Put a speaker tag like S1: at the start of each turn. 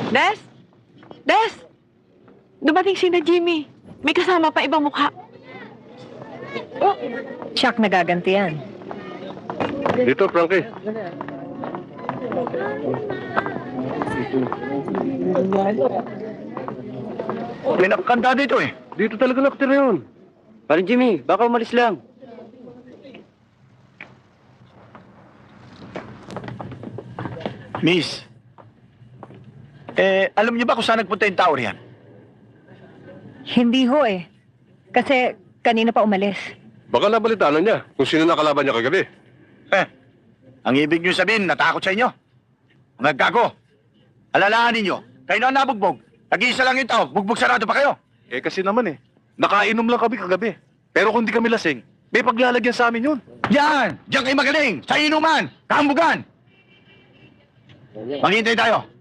S1: Des? Des? Dumating si na Jimmy. May kasama pa ibang mukha.
S2: Siyak nagaganti yan.
S3: Dito, Frankie.
S4: May nakakanta dito eh.
S3: Dito talaga nakatira yun.
S5: Parang Jimmy, baka umalis lang.
S4: Miss, alam niyo ba kung saan nagpunta yung tao riyan?
S2: Hindi ho eh. Kasi kanina pa umalis.
S3: Baka nabalitaan niya kung sino nakalaban niya kagabi.
S4: Ang ibig niyo sabihin, natakot sa inyo. Mga gago, alalahanin niyo, kayo na ang nabugbog. Tag-iisa lang yung tao, bugbog sarado pa kayo.
S6: Eh kasi naman eh, nakainom lang kami kagabi. Pero kung di kami lasing, may paglalagyan sa amin yun.
S4: Yan! Diyan kayo magaling! Sa inuman! Kambugan! Maghintay tayo.